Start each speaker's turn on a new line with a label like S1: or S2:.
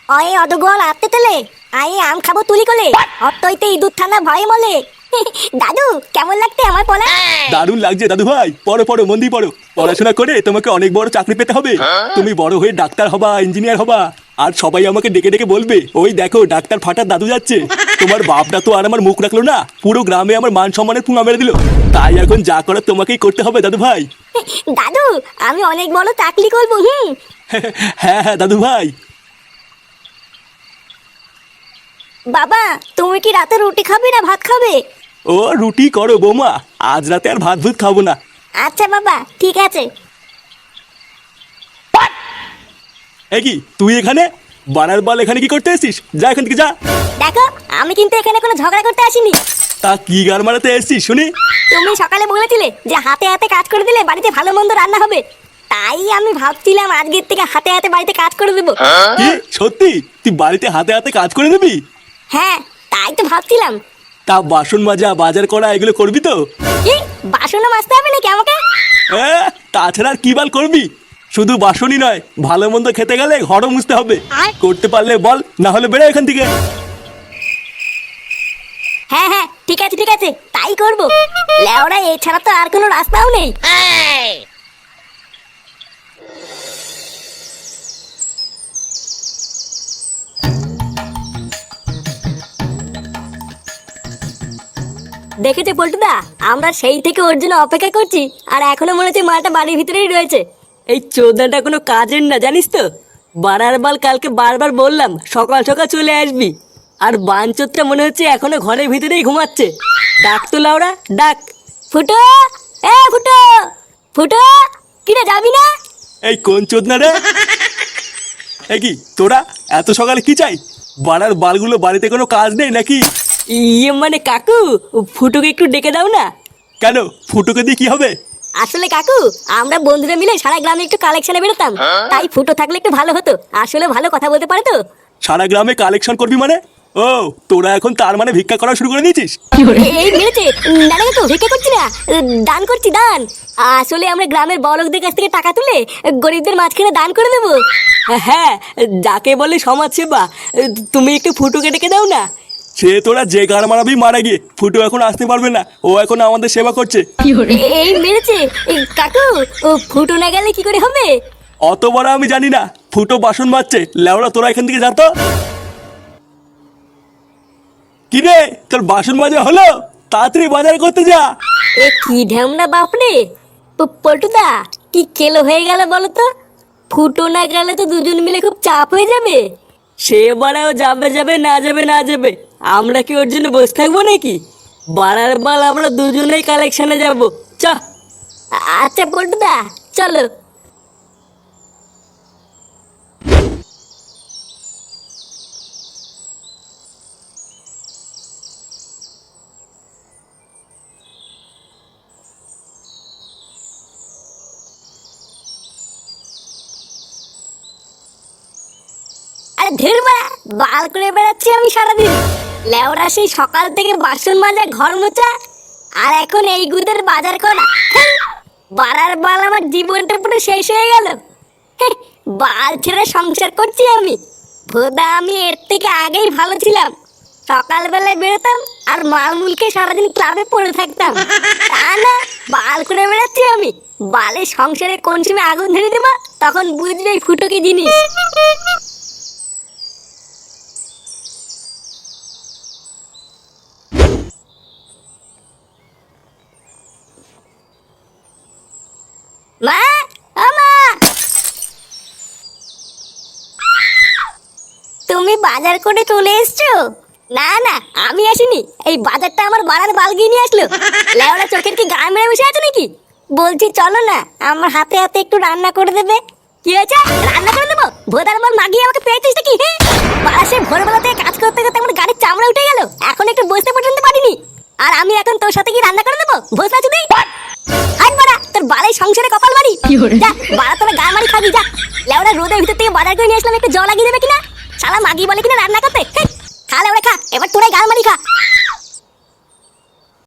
S1: অয়ে অদগল আতে তেলে I am খাবো তুলি কোলে অতইতে ইঁদুর থানা ভয়ে মলে। দাদু কেমন লাগতে আমার পলা?
S2: দারুণ লাগছে দাদু ভাই। পড়ো পড়ো, মন দিয়ে পড়ো। পড়াশোনা করে তোমাকে অনেক বড় চাকরি পেতে হবে। তুমি বড় হয়ে ডাক্তার হবা, ইঞ্জিনিয়ার হবা। আর সবাই আমাকে ডেকে ডেকে বলবে, ওই দেখো ডাক্তার ফাটার দাদু যাচ্ছে। তোমার বাপটা তো আর আমার মুখ রাখলো না, পুরো গ্রামে আমার মান সম্মানের পুঙা মেরে দিল। তাই এখন যা করার তোমাকেই করতে হবে দাদু ভাই।
S1: দাদু আমি অনেক বড় চাকরি করবো।
S2: হ্যাঁ হ্যাঁ দাদু ভাই।
S1: বাবা তুমি কি রাতে রুটি খাবে না ভাত খাবে?
S2: ও রুটি করো বৌমা, আজ রাতে আর ভাত ভুত খাবো না।
S1: আচ্ছা বাবা ঠিক আছে।
S2: এই কি তুই এখানে? বানার বল এখানে কি করতে এসেছিস? যা এখান থেকে যা।
S1: দেখো আমি কিন্তু এখানে কোনো ঝগড়া করতে আসিনি।
S2: তা কি গার মারাতে এসেছিস শুনি?
S1: তুমি সকালে বলেছিলে যে হাতে হাতে কাজ করে দিলে বাড়িতে ভালো মন্দ রান্না হবে, তাই আমি ভাবছিলাম আজকের থেকে হাতে হাতে বাড়িতে কাজ করে দেবো।
S2: কি সত্যি তুই বাড়িতে হাতে হাতে কাজ করে দিবি?
S1: হ্যাঁ তাই তো ভাবছিলাম।
S2: তা বাসন মাজা, বাজার করা এগুলো করবি তো?
S1: কি বাসনও মাজতে হবে নাকি আমাকে?
S2: তাছাড়া আর কি বাল করবি? শুধু বাসনই নয়, ভালো মন্দ খেতে গেলে ঘরও মুছতে হবে। করতে পারলে বল, না হলে বেরো এখান থেকে।
S1: হ্যাঁ হ্যাঁ ঠিক আছে ঠিক আছে তাই করবো। লেওড়া এছাড়া তো আর কোনো রাস্তাও নেই। দেখেছে পল্টুদা, আমরা সেই থেকে ওর জন্য অপেক্ষা করছি, আর এখনো মনে হচ্ছে মাটা বাড়ির ভিতরেই রয়েছে।
S3: এই চোদনাটা কোনো কাজের না জানিস তো। বাড়ার বাল কালকে বারবার বললাম সকাল সকাল চলে আসবি, আর বাঞ্চোতটা মনে হচ্ছে এখনো ঘরের ভিতরেই ঘুমাচ্ছে। ডাক তো লাউরা ডাক।
S1: ফুটো এ ফুটো ফুটো, কিরে যাবি না?
S2: এই কোন চোদনা রে? এই কি তোরা এত সকালে কি চাই? বাড়ার বালগুলো বাড়িতে কোনো কাজ নেই নাকি?
S3: ইয়ে মানে কাকু, ফুটোকে একটু ডেকে দাও না।
S2: কেন, ফুটোকে দিয়ে কি হবে?
S1: আসলে কাকু আমরা বন্ধুরা মিলে সারা গ্রামে একটু কালেকশনে বেরোতাম, তাই ফুটো থাকলে একটু ভালো হতো। আসলে ভালো কথা বলতে পারে তো।
S2: সারা গ্রামে কালেকশন করবি মানে? ও তোরা এখন তার মানে ভিক্ষা করা শুরু করে দিয়েছিস?
S1: এই মেরেছে। না না কাকু ভিক্ষা করছি না, দান করছি দান। আসলে আমরা গ্রামের বড়লোকদের কাছ থেকে টাকা তুলে গরিবদের মাঝখানে দান করে দেবো।
S3: হ্যাঁ, যাকে বলে সমাজ সেবা। তুমি একটু ফুটোকে ডেকে দাও না।
S2: সে তোরা যে গার মারাবি মারা গিয়ে, ফুটো এখন আসতে পারবে না, ও এখন আমাদের সেবা করছে।
S1: এই মেরেছে। কাকু ও ফুটো না গেলে কি করে হবে?
S2: অত বড় আমি জানি না। ফুটো বাসন মাজছে, লেওড়া তোরা এখান থেকে যা তো। কি রে তোর বাসন মাজা হলো? তাড়াতাড়ি বাজার করতে যা।
S1: এ কি ঢ্যামনা বাপরে। পল্টুদা কি কেলো হয়ে গেল বলো তো? ফুটো না গেলে তো দুজন মিলে খুব চাপ হয়ে যাবে।
S3: সে বাড়াও যাবে যাবে না যাবে না যাবে, আমরা কি ওর জন্য বসে থাকবো নাকি? বাড়ার বাল আমরা দুজনেই কালেকশনে যাবো। চ।
S1: আচ্ছা পল্টুদা চলো। আরে ধের বাড়া, বাল করে বেড়াচ্ছি আমি সারাদিন। লেওরা সেই সকাল থেকে বাসন মাজা, ঘর মোছা, আর এখন এই গুদের বাজার করা। বাড়ার বাল আমার জীবনটা পুরো শেষ হয়ে গেল। বাল ছেড়ে সংসার করছি আমি। ভোদা আমি এর থেকে আগেই ভালো ছিলাম। সকালবেলায় বেরোতাম আর মালমুলকে সারাদিন ক্লাবে পড়ে থাকতাম। তা না, বাল করে বেড়াচ্ছি আমি। বালে সংসারে কোন সময় আগুন ধরে দেবো তখন বুঝবে এই ফুটো কি জিনিস। মা ও মা, তুমি বাজার করে চলে এসছো? না না আমি আসিনি, এই বাজারটা আমার বাড়ার বাল গিয়ে নিয়ে আসলো। লেওড়া চোখের কি গায়ে মেরে বসে আছে নাকি? বলছি চলো না, আমার হাতে হাতে একটু রান্না করে দেবে। কি হয়েছে? রান্না করে দেবো? ভোদার বল মাগিয়ে আমাকে পেয়েছিস নাকি? বাসে ভোরবেলা থেকে কাজ করতে করতে আমার গাড়ির চামড়া উঠে গেল, এখন একটু বসতে পর্যন্ত পারিনি। আর আমি এখন তোর সাথে কি রান্না করে দেবো? বসে আছি তুই? হাট বাড়া, তোর বালাই সংসারে কপাল মারি। যা বাড়া, তোরা গা মারি খাবি যা। লেওড়া রোদের ভিতর থেকে বাজার করে নিয়ে আসলাম, একটু জল লাগিয়ে দেবে কিনা? শালা মাগি বলে কিনা রান্না করতে। খা লেওড়া খা, এবার তোরাই গা মারি খা।